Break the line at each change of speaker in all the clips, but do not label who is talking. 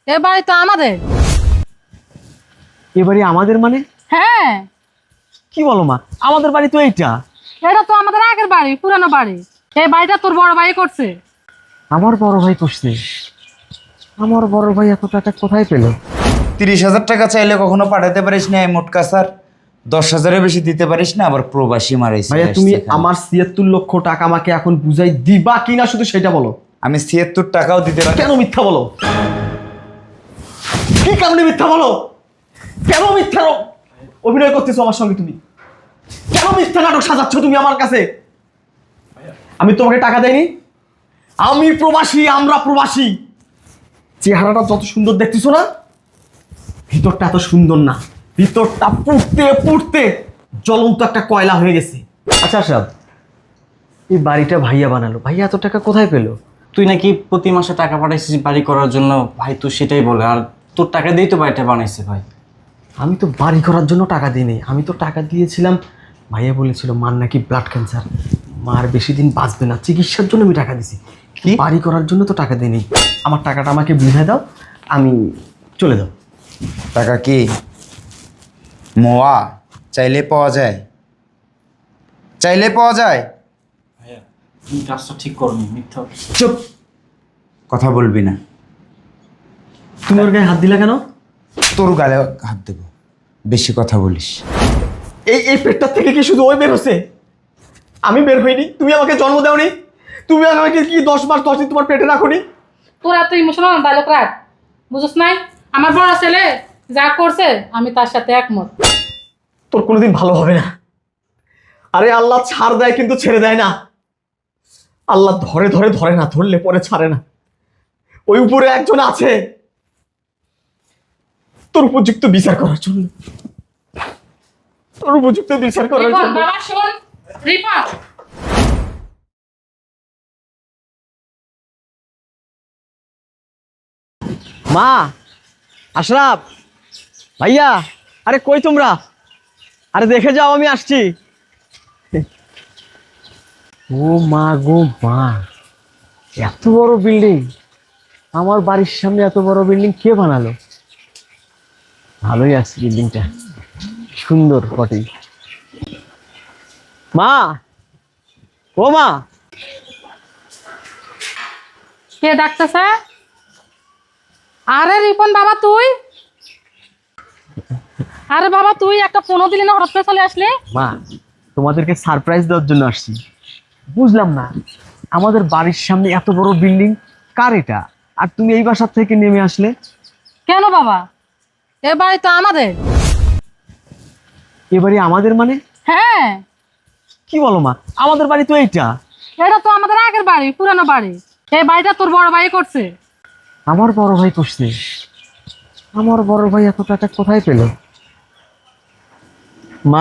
এ বাড়ি তো আমাদের।
এ বাড়ি আমাদের মানে?
হ্যাঁ,
কি বলো মা, আমাদের বাড়ি তো এইটা।
এটা তো আমাদের আগের বাড়ি, পুরানো বাড়ি। এই বাড়িটা তোর বড় ভাই করছে।
আমার বড় ভাই করছে? আমার বড় ভাই এত টাকা কোথায় পেল?
30,000 টাকা চাইলে কখনো পাঠাতে পারিস না এই মোটকা স্যার, 10,000-এর বেশি দিতে পারিস না, আবার প্রবাসী মারাইছিস।
ভাইয়া তুমি আমার 76 লক্ষ টাকা আমাকে এখন বুঝাই দিবা কিনা শুধু সেটা বলো।
আমি 76 টাকাও দিতে পারি।
কেন মিথ্যা বলো? কি কারণে মিথ্যা বলো? কেন মিথ্যা অভিনয় করতেছো আমার সঙ্গে? তুমি কেন মিথ্যা নাটক সাজাচ্ছ তুমি আমার কাছে? আমি তোমাকে টাকা দেইনি। আমি প্রবাসী, আমরা প্রবাসী। চেহারাটা যত সুন্দর দেখতেছো না, ভিতরটা এত সুন্দর না। ভিতরটা পুড়তে পুড়তে জ্বলন্ত একটা কয়লা হয়ে গেছে। আচ্ছা আচ্ছা, এই বাড়িটা ভাইয়া বানালো, ভাইয়া এত টাকা কোথায় পেলো?
তুই নাকি প্রতি মাসে টাকা পাঠাইছিস বাড়ি করার জন্য। ভাই তুই সেটাই বলে, আর তোর টাকা দিয়েই তো বাড়িটা বানাইছে ভাই।
আমি তো বাড়ি করার জন্য টাকা দিইনি, আমি তো টাকা দিয়েছিলাম। ভাইয়া বলেছিল মার নাকি ব্লাড ক্যান্সার, মার বেশি দিন বাঁচবে না, চিকিৎসার জন্য আমি টাকা দিছি।
কি?
বাড়ি করার জন্য তো টাকা দিইনি। আমার টাকাটা আমাকে বুঝাই দাও, আমি চলে যাও।
টাকা কি মোয়া চাইলে পাওয়া যায়? চাইলে পাওয়া যায়?
ভাইয়া তুমি কাজটা ঠিক করনি, মিথ্যা।
চুপ, কথা বলবি না।
তুমি ওর গায়ে হাত দিলা কেন?
তোর গালে হাত দেবো, বেশি কথা বলিস।
এই এই পেটটার থেকে কি শুধু ওই বের হচ্ছে? আমি বের হইনি? তুমি আমাকে জন্ম দাওনি? তুমি আমাকে কি 10 মাস 10 দিন তোমার পেটে রাখোনি?
তোর এত ইমোশনাল ডায়লগ রাখ, বুঝছ নাই? আমার বড় ছেলে যা করছে আমি তার সাথে একমত।
তোর কোনোদিন ভালো হবে না। আরে আল্লাহ ছাড় দেয় কিন্তু ছেড়ে দেয় না। আল্লাহ ধরে ধরে ধরে না, ধরলে পরে ছাড়ে না। ওই উপরে একজন আছে তোর উপযুক্ত বিচার করার জন্য, তোর উপযুক্ত বিচার করার
রিপন,
জন্য।
বাবা শোন, রিপন।
মা, আশরাফ, ভাইয়া, আরে কই তোমরা? আরে দেখে যাও, আমি আসছি। ও মা গো মা, এত বড় বিল্ডিং! আমার বাড়ির সামনে এত বড় বিল্ডিং কে বানালো? ভালোই আছে বিল্ডিংটা, সুন্দর বটেই। মা, ও মা।
কে ডাকতেছে? আরে রিপন বাবা তুই? আরে বাবা তুই একটা ফোনও দিলি না, হঠাৎ করে চলে আসলি?
মা, তোমাদেরকে সারপ্রাইজ দেওয়ার জন্য আসছি। বুঝলাম না, আমাদের বাড়ির সামনে এত বড় বিল্ডিং কার এটা? আর তুমি এই বাসার থেকে নেমে আসলে
কেন বাবা? এ বাড়ি তো আমাদের।
এ বাড়ি আমাদের মানে?
হ্যাঁ,
কি বলো মা, আমাদের বাড়ি তো এইটা।
এটা তো আমাদের আগের বাড়ি, পুরানো বাড়ি। এই বাড়িটা তোর বড় ভাই করছে।
আমার বড় ভাই করছে? আমার বড় ভাই এত টাকা কোথায় পেল? মা,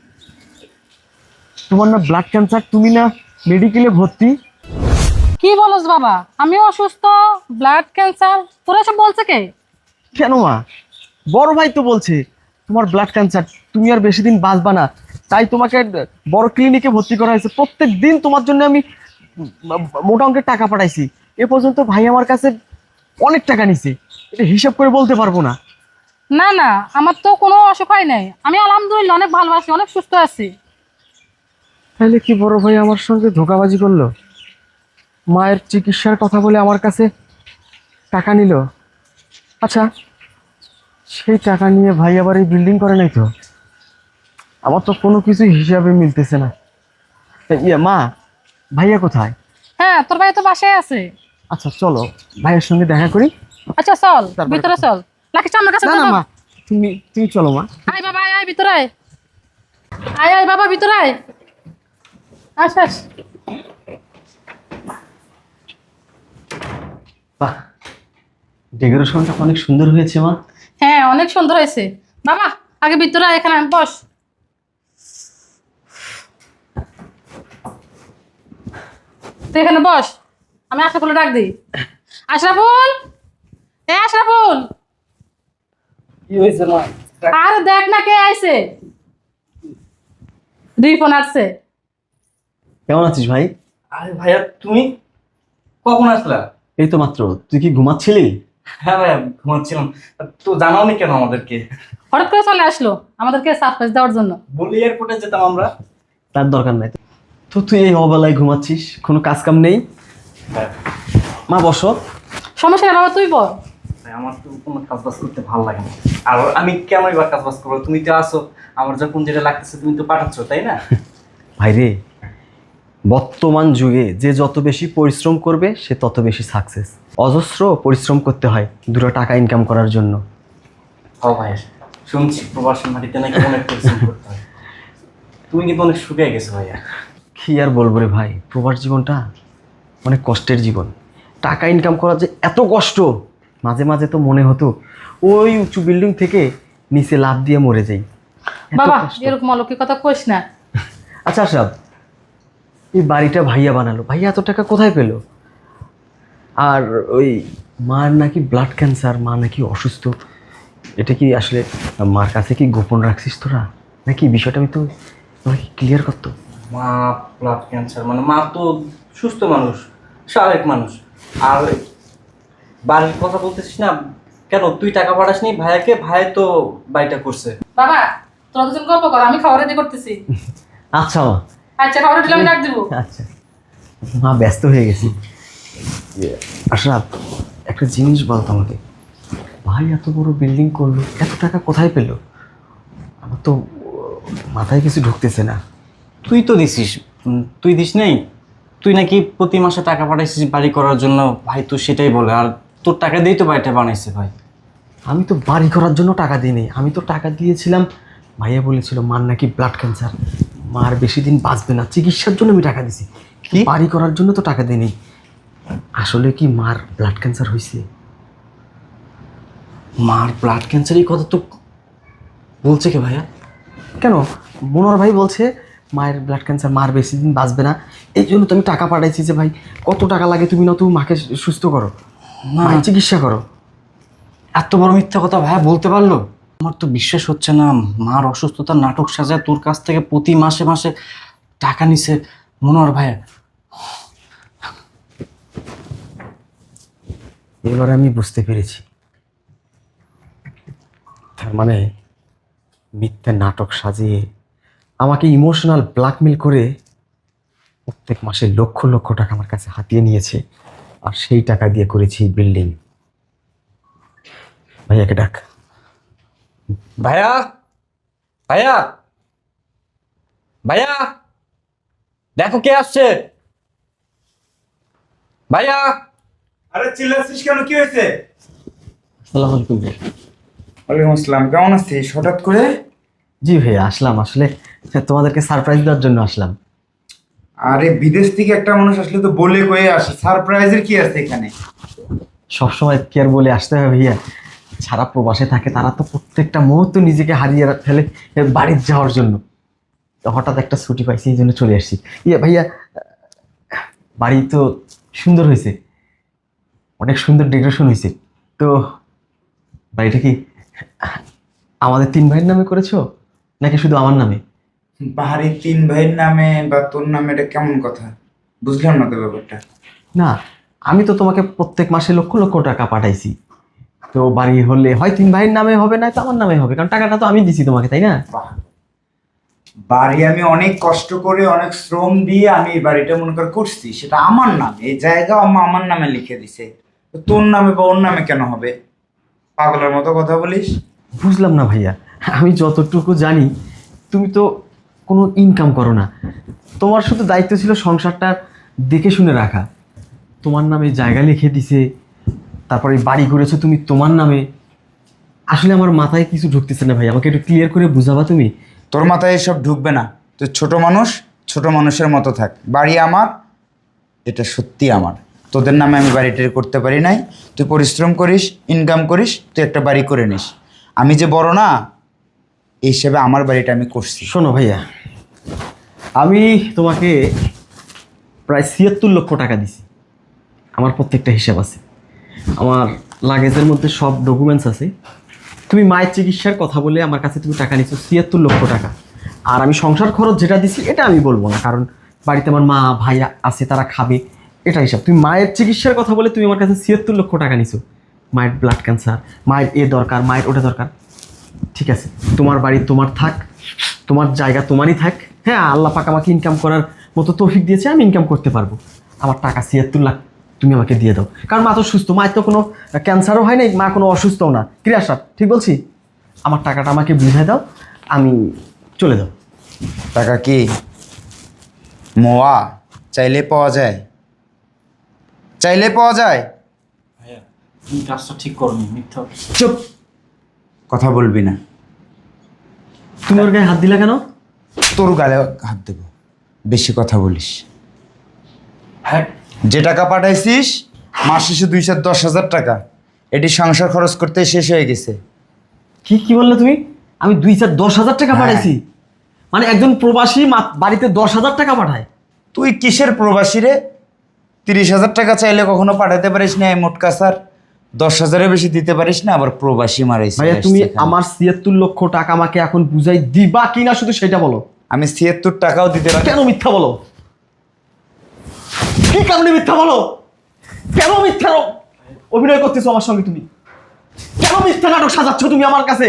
তোমার না ব্লাড ক্যান্সার, তুমি না মেডিকেলে ভর্তি?
কি বলস বাবা? আমি অসুস্থ, ব্লাড ক্যান্সার, তোরা সব বলছে কে?
কেন মা, বড় ভাই তো বলছে তোমার ব্লাড ক্যান্সার, তুমি আর বেশি দিন বাঁচবা না, তাই তোমাকে বড় ক্লিনিকে ভর্তি করা হয়েছে। প্রত্যেক দিন তোমার জন্য আমি মোটা অঙ্কের টাকা পাঠাইছি। এ পর্যন্ত ভাই আমার কাছে অনেক টাকা নিছে, এটা হিসাব করে বলতে পারবো না।
না না, আমার তো কোনো অসুখ হয় নাই, আমি আলহামদুলিল্লাহ অনেক ভালো আছি, অনেক সুস্থ আছি।
তাহলে কি বড় ভাই আমার সঙ্গে ধোঁকাবাজি করলো? মায়ের চিকিৎসার কথা বলে আমার কাছে টাকা নিল। আচ্ছা, সেই টাকা নিয়ে ভাই আবার এই বিল্ডিং করে নাই তো? আমার তো কোনো কিছু হিসাবে মিলতেছে না। ইয়ে মা, ভাইয়া কোথায়?
হ্যাঁ, তোর ভাই তো বাসায় আছে।
আচ্ছা চলো ভাইয়ের সঙ্গে দেখা করি।
আচ্ছা চল,
তারপরে
ভিতরে চল। লাকিস আমার কাছে
না না
চল।
মা, তুমি তুমি চলো মা।
আয় বাবা, আয় আয় ভিতরে আয়। আয় আয় বাবা ভিতরে আয়। আস আস।
বাহ, ডেকোরেশনটা অনেক সুন্দর হয়েছে মা।
হ্যাঁ, অনেক সুন্দর হয়েছে বাবা। আগে ভিতরে আয়, এখানে বস। তুই এখানে বস, আমি আশরাফুল ডাক দিই। আশরাফুল, এ আশরাফুল।
কি হয়েছে মা?
আরে দেখ না কে আইছে। রিপন আসছে।
কেমন আছিস ভাই?
আরে ভাইয়া তুমি কখন আসলা?
এই তো মাত্র। তুই কি ঘুমাচ্ছিলি?
হ্যাঁ ভাইয়া ঘুমাচ্ছিলাম। তো জানাওনি কেন আমাদেরকে?
হঠাৎ করে চলে আসলো আমাদেরকে সারপ্রাইজ দেওয়ার জন্য।
বলি এয়ারপোর্টে যেতাম আমরা।
তার দরকার নাই তো। তুই এই অবেলায় ঘুমাচ্ছিস, কোনো কাজ কাম নেই?
হ্যাঁ
মা বসো।
সমস্যা নেই বাবা, তুই বল।
ভাই, আমার তো কোনো কাজ বাজ করতে ভালো লাগে না। আর আমি কেমনই বা কাজ বাজ করবো? তুমি তো আসো, আমার যখন যেটা লাগতেছে তুমি তো পাঠাচ্ছ, তাই না?
ভাইরে, বর্তমান যুগে যে যত বেশি পরিশ্রম করবে সে তত বেশি সাকসেস। অজস্র পরিশ্রম করতে হয় দুটো টাকা ইনকাম করার জন্য।
ও ভাই, শুনছি প্রবাসী মাটিতে নাকি অনেক পরিশ্রম করতে হয়। তুমি কিন্তু অনেক শুকিয়ে গেছো ভাইয়া।
কি আর বলবো রে ভাই, প্রবাস জীবনটা অনেক কষ্টের জীবন। টাকা ইনকাম করা যে এত কষ্ট, মাঝে মাঝে তো মনে হতো ওই উঁচু বিল্ডিং থেকে নিচে লাফ দিয়ে মরে যাই। এত
বাবা
কষ্ট।
এরকম অলৌকিক কথা কইস না।
আচ্ছা আশরাফ, এই বাড়িটা ভাইয়া বানালো, ভাইয়া এত টাকা কোথায় পেলো? আর ওই মার নাকি ব্লাড ক্যান্সার, মা নাকি অসুস্থ, এটা কি আসলে মার কাছে কি গোপন রাখছিস তোরা নাকি? বিষয়টা আমি তো তোমাকে ক্লিয়ার করতো।
মা ব্লাড ক্যান্সার মানে মা তো সুস্থ মানুষ, স্বাভাবিক মানুষ। আর বাড়ির কথা বলতেছিস না কেন? তুই টাকা পাঠাসনি ভাইয়াকে? ভাই তো বাড়িটা করছে।
বাবা তোরা দুজন গল্প কর, আমি খাবার রেডি করতেছি।
আচ্ছা মা।
আচ্ছা খাবার রেডি আমি ডাক দিব।
আচ্ছা মা, ব্যস্ত হয়ে গেছি। আশরাফ, একটা জিনিস বলতো আমাকে, ভাই এত বড় বিল্ডিং করলো, এত টাকা কোথায় পেলো? আমার তো মাথায় কিছু ঢুকতেছে না।
তুই তো দিছিস। তুই দিস নেই? তুই নাকি প্রতি মাসে টাকা পাঠাইছিস বাড়ি করার জন্য। ভাই তো সেটাই বলে। আর তোর টাকা দিয়েই তো বাড়িটা বানাইছে ভাই।
আমি তো বাড়ি করার জন্য টাকা দিইনি, আমি তো টাকা দিয়েছিলাম, ভাইয়া বলেছিল মার নাকি ব্লাড ক্যান্সার, মার বেশি দিন বাঁচবে না, চিকিৎসার জন্য আমি টাকা দিছি।
কি?
বাড়ি করার জন্য তো টাকা দিইনি। আসলে কি মার ব্লাড ক্যান্সার হয়েছে?
মার ব্লাড ক্যান্সার, এই কথা তো বলছে কে ভাইয়া?
কেন, মনোহর ভাই বলছে মায়ের ব্লাড ক্যান্সার, মার বেশি দিন বাঁচবে না, এই জন্য তো আমি টাকা পাঠাইছি যে ভাই কত টাকা লাগে তুমি না, তুমি মাকে সুস্থ করো, মায়ের চিকিৎসা করো।
এত বড় মিথ্যা কথা ভাইয়া বলতে পারলো? আমার তো বিশ্বাস হচ্ছে না। মার অসুস্থতার নাটক সাজায় তোর কাছ থেকে প্রতি মাসে মাসে টাকা নিছে মনোহর ভাইয়া।
এবার আমি বুঝতে পেরেছি, তার মানে মিথ্যা নাটক সাজিয়ে আমাকে ইমোশনাল ব্ল্যাকমেল করে প্রত্যেক মাসে লক্ষ লক্ষ টাকা আমার কাছে হাতিয়ে নিয়েছে, আর সেই টাকা দিয়ে করেছি বিল্ডিং। ভাইয়াকে ডাক।
ভাইয়া, ভাইয়া, ভাইয়া, দেখো কে আসছে। ভাইয়া।
আরে চিল্লাছিস কেন, কি হয়েছে?
আসসালামু আলাইকুম ভাই।
ওয়ালাইকুম আসসালাম, কেমন আছিস হঠাৎ করে?
জি ভাইয়া আসলাম, আসলে তোমাদেরকে সারপ্রাইজ দেওয়ার জন্য আসলাম।
আরে বিদেশ থেকে একটা মানুষ আসলে তো বলে কয়ে আসে, সারপ্রাইজের কি আছে এখানে?
সবসময় কি আর বলে আসতে হবে ভাইয়া, সারা প্রবাসে থাকে তারা তো প্রত্যেকটা মুহূর্ত নিজেকে হারিয়ে ফেলে বাড়ির যাওয়ার জন্য। তো হঠাৎ একটা ছুটি পাইছি, এই জন্য চলে আসছি। ভাইয়া, বাড়ি তো সুন্দর হয়েছে, অনেক সুন্দর ডেকোরেশন হয়েছে। তো বাড়িটা কি আমাদের তিন ভাইয়ের নামে করেছো নাকি শুধু আমার নামে?
বাড়ি তিন ভাইয়ের নামে বা তোর নামে, এটা কেমন কথা? বুঝলাম না তো ব্যাপারটা।
না, আমি তো তোমাকে প্রত্যেক মাসে লক্ষ লক্ষ টাকা পাঠাইছি, তো বাড়ি হলে হয় তিন ভাইয়ের নামে হবে, না তো আমার নামে হবে, কারণ টাকাটা তো আমি দিছি তোমাকে, তাই না?
বাহ, বাড়ি আমি অনেক কষ্ট করে অনেক শ্রম দিয়ে আমি এই বাড়িটা মনে কর করছি, সেটা আমার নামে, এই জায়গা আমার নামে লিখে দিছে। তো তোর নামে বা ওর নামে কেন হবে? পাগলের মতো কথা বলিস।
বুঝলাম না ভাইয়া, আমি যতটুকু জানি তুমি তো কোনো ইনকাম করো না, তোমার শুধু দায়িত্ব ছিল সংসারটা দেখে শুনে রাখা। তোমার নামে জায়গা লিখে দিছে, তারপরে বাড়ি করেছো তুমি তোমার নামে। আসলে আমার মাথায় কিছু ঢুকতেছে না ভাই, আমাকে একটু ক্লিয়ার করে বুঝাবা তুমি?
তোর মাথায় এসব ঢুকবে না। তুই ছোট মানুষ, ছোট মানুষের মতো থাক। বাড়ি আমার, এটা সত্যি আমার। তোদের নামে আমি বাড়িটা করতে পারি নাই। তুই পরিশ্রম করিস, ইনকাম করিস, তুই একটা বাড়ি করে নিস। আমি যে বড় না, এই হিসেবে আমার বাড়িটা আমি করছি।
শোনো ভাইয়া, আমি তোমাকে প্রায় ৭৬ লক্ষ টাকা দিছি, আমার প্রত্যেকটা হিসাব আছে, আমার লাগেজের মধ্যে সব ডকুমেন্টস আছে। তুমি মায়ের চিকিৎসার কথা বলে আমার কাছে তুমি টাকা নিচ্ছ ৭৬ লক্ষ টাকা, আর আমি সংসার খরচ যেটা দিছি এটা আমি বলবো না, কারণ বাড়িতে আমার মা ভাই আছে, তারা খাবে, এটা হিসাব। তুমি মায়ের চিকিৎসার কথা বলে তুমি আমার কাছে ৭৬ লক্ষ টাকা নিছো, মায়ের ব্লাড ক্যান্সার, মায়ের এ দরকার, মায়ের ওটা দরকার। ঠিক আছে, তোমার বাড়ি তোমার থাক, তোমার জায়গা তোমারই থাক। হ্যাঁ, আল্লাহ পাক আমাকে ইনকাম করার মতো তৌফিক দিয়েছে, আমি ইনকাম করতে পারবো। আমার টাকা ৭৬ লাখ তুমি আমাকে দিয়ে দাও, কারণ মা তো সুস্থ, মায়ের তো কোনো ক্যান্সারও হয় নাই, মা কোনো অসুস্থও না। ক্রিয়াসার ঠিক বলছি? আমার টাকাটা আমাকে বুঝাই দাও, আমি চলে যাও।
টাকা কি মোয়া চাইলে পাওয়া যায়? চাইলে পাওয়া যায়?
ভাইয়া তুমি কাজটা ঠিক করনি, মিথ্যা।
চুপ, কথা বলবি না।
তুমি ওর গায়ে হাত দিলা কেন?
তোর গালে হাত দেব, বেশি কথা বলিস।
হ্যাঁ
যে টাকা পাঠাইছিস মাস শেষে 210,000 টাকা, এটি সংসার খরচ করতে শেষ হয়ে গেছে।
কি বললে তুমি? আমি 2-4-10,000 টাকা
হ্যাঁ।
পাঠাইছি? মানে একজন প্রবাসী বাড়িতে 10,000 টাকা পাঠায়?
তুই কিসের প্রবাসী রে? 30,000 টাকা চাইলে কখনো পাঠাতে পারিস না, এই মোটকা স্যার 10,000-এর বেশি দিতে পারিস না, আবার প্রবাসী মারাইছিস।
ভাইয়া তুমি আমার ৭৬ লক্ষ টাকা আমাকে এখন বুঝাই দিবা কিনা শুধু সেটা বলো।
আমি 76 টাকাও দিতে পারি।
কেন মিথ্যা বলো? কি কারণে মিথ্যা বলো? কেন মিথ্যা অভিনয় করতেছো আমার সঙ্গে তুমি? কেন মিথ্যা নাটক সাজাচ্ছ তুমি আমার কাছে?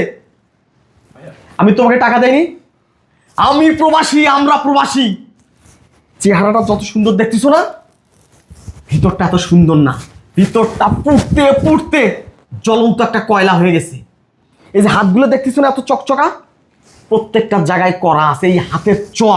আমি তোমাকে টাকা দেয়নি? আমি প্রবাসী, আমরা প্রবাসী। চেহারাটা যত সুন্দর দেখতেছো না, ভিতরটা এত সুন্দর না। ভিতরটা পুড়তে পুড়তে জ্বলন্ত একটা কয়লা হয়ে গেছে। এই যে হাতগুলো দেখতেছো না, এত চকচকা, প্রত্যেকটা জায়গায় করা আছে এই হাতের চর।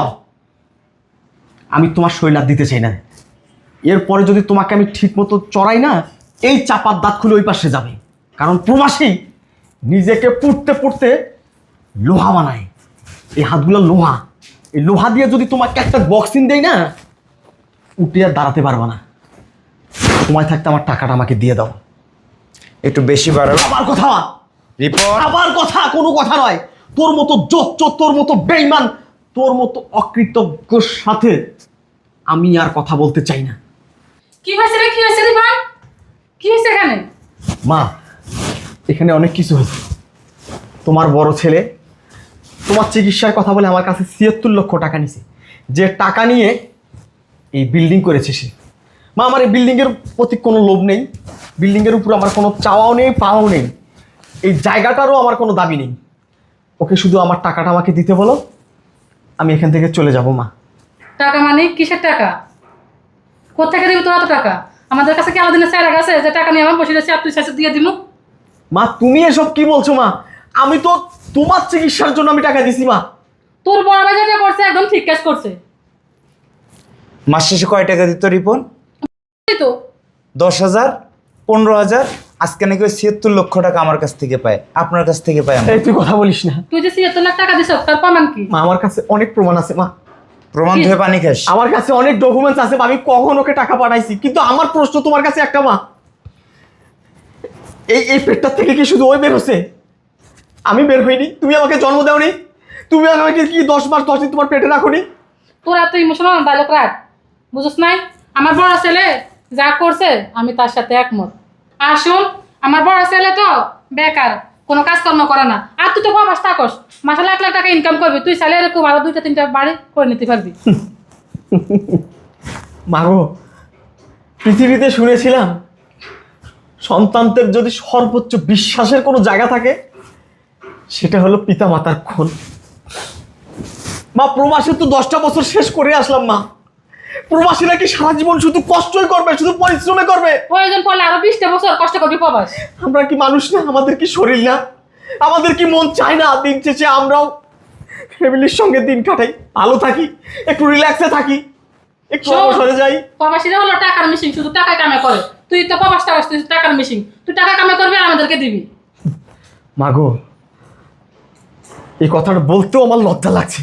আমি তোমার শরীর আর দিতে চাই না। এরপরে যদি তোমাকে আমি ঠিক মতো চড়াই না, এই চাপার দাঁত খুলে ওই পাশে যাবে। কারণ প্রবাসী নিজেকে পুড়তে পুড়তে লোহা বানায়। এই হাতগুলো লোহা, এই লোহা দিয়ে যদি তোমাকে একটা বক্সিং দেয় না, উঠে আর দাঁড়াতে পারবে না। সময় থাকতে আমার টাকাটা আমাকে দিয়ে দাও।
একটু বেশি বাড়াবো।
আবার কথা,
রিপোর্ট।
আবার কথা, কোনো কথা নয়। তোর মতো জোচ্চোর, তোর মতো বেঈমান, তোর মতো অকৃতজ্ঞর সাথে আমি আর কথা বলতে চাই না।
কি হয়েছে রে, কি হয়েছে রে ভাই? কি হয়েছে এখানে?
মা, এখানে অনেক কিছু হয়েছে। তোমার বড় ছেলে তোমার চিকিৎসার কথা বলে আমার কাছে ৭৬ লক্ষ টাকা নিছে। যে টাকা নিয়ে এই বিল্ডিং করেছে সে। মা, আমার এই বিল্ডিংয়ের প্রতি কোনো লোভ নেই, বিল্ডিংয়ের উপর আমার কোনো চাওয়াও নেই, পাওয়াও নেই, এই জায়গাটারও আমার কোনো দাবি নেই। ওকে শুধু আমার টাকাটা আমাকে দিতে বলো, আমি এখান থেকে চলে যাব। মা,
টাকা মানে কিসের টাকা? কোথেকে দিবি তোর এত টাকা? আমাদের কাছে কি আলাদিনের স্যার আছে যে টাকা নিয়ে আমার বসে রয়েছে আর তুই শেষে দিয়ে দিবো?
মা তুমি এসব কি বলছো? মা, আমি তো তোমার চিকিৎসার জন্য আমি টাকা দিছি। মা,
তোর বড় ভাই যেটা করছে একদম ঠিক কাজ করছে।
মাস শেষে কয় টাকা দিত রিপন?
এই তো
10,000, 15,000, আজকে নাকি ওই 76 লক্ষ টাকা আমার কাছ থেকে পায়, আপনার কাছ থেকে পায়।
এই তুই কথা বলিস না।
তুই যে ৭৬ লাখ টাকা দিছ তার প্রমাণ কি?
মা, আমার কাছে অনেক প্রমাণ আছে। মা,
প্রমাণ ধুয়ে পানি খাস?
আমার কাছে অনেক ডকুমেন্টস আছে। আমি কখন ওকে টাকা পাঠাইছি, কিন্তু আমার প্রশ্ন তোমার কাছে একটা। মা, এই পেটটার থেকে কি শুধু ওই বের হচ্ছে? আমি বের হইনি? তুমি আমাকে জন্ম দাওনি? তুমি আমাকে কি 10 মাস 10 দিন তোমার পেটে রাখোনি?
তোর এত ইমোশনাল ডায়লগ রাখ, বুঝছ নাই? আমার বড় ছেলে যা করছে আমি তার সাথে একমত। আর শোন, আমার বড় ছেলে তো বেকার, কোনো কাজকর্ম করে না। আর তুই তো প্রবাস থাকস, মাসে লাখ লাখ টাকা ইনকাম করবি, তুই চাইলে এরকম আরো 2-3টা বাড়ি করে নিতে পারবি।
মাগো, পৃথিবীতে শুনেছিলাম সন্তানদের যদি সর্বোচ্চ বিশ্বাসের কোনো জায়গা থাকে, সেটা হলো পিতা মাতার কোল। মা, প্রবাসে তো 10টা বছর শেষ করে আসলাম। মা, প্রবাসীরা কি সারা জীবন শুধু কষ্টই করবে, শুধু পরিশ্রমে করবে?
প্রয়োজন পড়লে আরো 20টা বছর কষ্ট করবি প্রবাস।
আমরা কি মানুষ না? আমাদের কি শরীর না? আমাদের কি মন চায় না দিন শেষে আমরাও ফ্যামিলির সঙ্গে দিন কাটাই, ভালো থাকি, একটু রিল্যাক্সে থাকি, একটু অবসরে যাই?
প্রবাসীরা হলো টাকার মিশিং, শুধু টাকা কামে করে। তুই তো প্রবাস থাকস, তুই টাকার মিশিং, তুই টাকা কামে করবি আর আমাদেরকে দিবি।
মাগো, এই কথাটা বলতেও আমার লজ্জা লাগছে।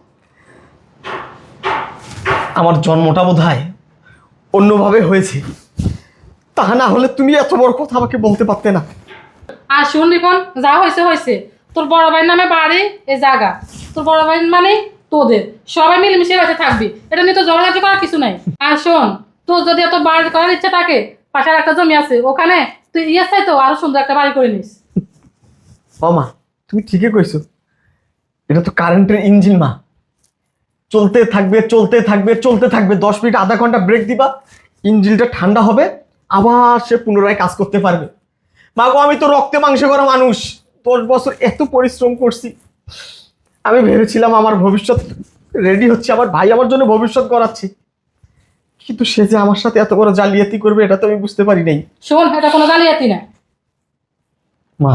আমার জন্মটা বোধহয় অন্যভাবে হয়েছে, তা না হলে তুমি এত বড় কথা আমাকে বলতে পারতে না।
আর শুন রিপন, যা হয়েছে হয়েছে। তোর বড় ভাইয়ের নামে বাড়ি, এ জায়গা তোর বড় ভাই মানে তোদের, সবাই মিলেমিশে বাড়িতে থাকবি, এটা নিয়ে তো ঝগড়াঝাটি করার কিছু নাই। আর শোন, তোর যদি এত বাড়ি করার ইচ্ছা থাকে, পাশের একটা জমি আছে, ওখানে তুই চাই তো আরো সুন্দর একটা বাড়ি করে নিস।
ও মা, তুমি ঠিকই কইছো, এটা তো কারেন্টের ইঞ্জিন। মা, চলতে থাকবে চলতে থাকবে চলতে থাকবে, 10 মিনিট আধা ঘন্টা ব্রেক দিবা, ইঞ্জিনটা ঠান্ডা হবে, আবার সে পুনরায় কাজ করতে পারবে। মা গো, আমি তো রক্তে মাংসে করা মানুষ, 10 বছর এত পরিশ্রম করছি। আমি ভেবেছিলাম আমার ভবিষ্যৎ রেডি হচ্ছে, আমার ভাই আমার জন্য ভবিষ্যৎ গড়াচ্ছে, কিন্তু সে যে আমার সাথে এত বড় জালিয়াতি করবে এটা তো আমি বুঝতে পারি নাই।
শোন, এটা কোনো জালিয়াতি না।
মা,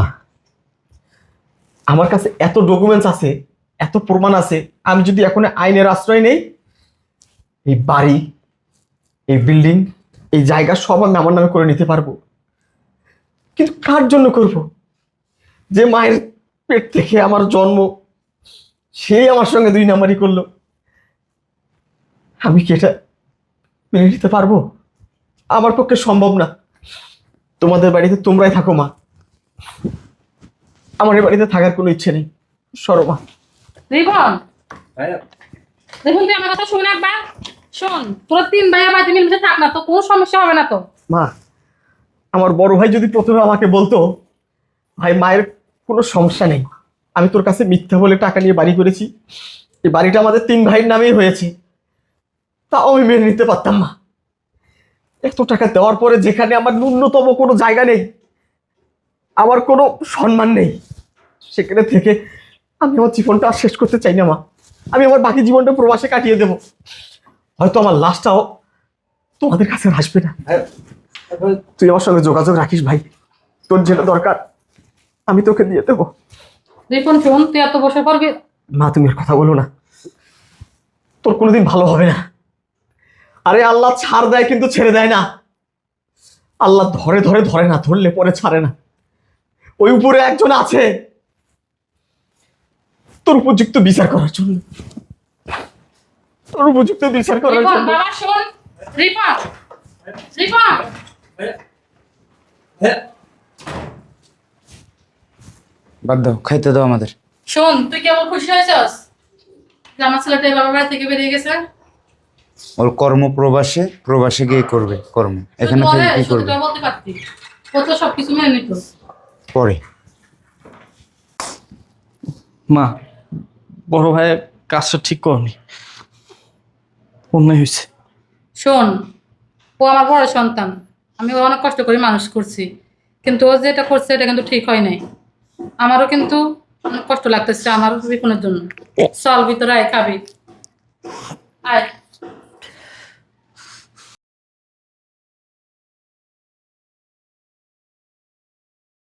আমার কাছে এত ডকুমেন্টস আছে, এত প্রমাণ আছে, আমি যদি এখন আইনের আশ্রয় নেই, এই বাড়ি, এই বিল্ডিং, এই জায়গা সব আমি আমার নামে করে নিতে পারবো। কিন্তু কার জন্য করব? যে মায়ের পেট থেকে আমার জন্ম, সেই আমার সঙ্গে 2 নাম্বারই করলো। আমি কি এটা মেনে নিতে পারবো? আমার পক্ষে সম্ভব না। তোমাদের বাড়িতে তোমরাই থাকো মা, আমার এই বাড়িতে থাকার কোনো ইচ্ছে নেই। সরো মা।
রিপন,
ভাইয়া
দেখুন তুই আমার কথা শুনে একবার। শোন, তোরা 3 ভাইয়া বাড়িতে মিলেমিশে থাক না তো, কোনো সমস্যা হবে না তো।
মা, আমার বড় ভাই যদি প্রথমে আমাকে বলতো, ভাই মায়ের কোনো সমস্যা নেই, আমি তোর কাছে মিথ্যা বলে টাকা নিয়ে বাড়ি করেছি, এই বাড়িটা আমাদের 3 ভাইয়ের নামেই হয়েছে, তাও আমি মেনে নিতে পারতাম না। এত টাকা দেওয়ার পরে যেখানে আমার ন্যূনতম কোনো জায়গা নেই, আমার কোনো সম্মান নেই, সেখানে থেকে আমি আমার জীবনটা আর শেষ করতে চাই না মা। আমি আমার বাকি জীবনটা প্রবাসে কাটিয়ে দেব, হয়তো আমার লাশটাও তোমাদের কাছে আর আসবে না। তুই আমার সঙ্গে যোগাযোগ রাখিস ভাই, তোর যেটা দরকার আমি তোকে দিয়ে দেবো।
রিপন শোন, তুই এত বসে পড়বি।
মা, তুমি আর কথা বলো না, তোর কোনোদিন ভালো হবে না। আরে আল্লাহ ছাড় দেয় কিন্তু ছেড়ে দেয় না। আল্লাহ ধরে ধরে ধরে না, ধরলে পরে ছাড়ে না। ওই উপরে একজন আছে তোর উপযুক্ত বিচার করার জন্য, তোর উপযুক্ত বিচার করার
রিপন
জন্য।
বাবা শোন, রিপন, রিপন।
বাদ দাও, খাইতে দাও আমাদের।
শোন, তুই কেমন খুশি হয়েছস যে আমার ছেলেটা বাবার বাড়ি থেকে বেরিয়ে গেছে?
ওর কর্ম প্রবাসে, প্রবাসে গিয়ে করবে কর্ম, এখানে
তুই
থেকে
বলে,
কি করবে?
সত্যিটা বলতে পারতি, ও তো সবকিছু মেনে নিত।
পরে
মা, বড় ভাই কাজটা ঠিক করনি, অন্যায় হয়েছে।
শোন, ও আমার বড় সন্তান, আমি ওকে অনেক কষ্ট করে মানুষ করছি, কিন্তু ও যেটা করছে এটা কিন্তু ঠিক হয় নাই। আমারও কিন্তু অনেক কষ্ট লাগতেছে আমার রিপনের জন্য। চল ভিতরে আয়, খাবি, আয়।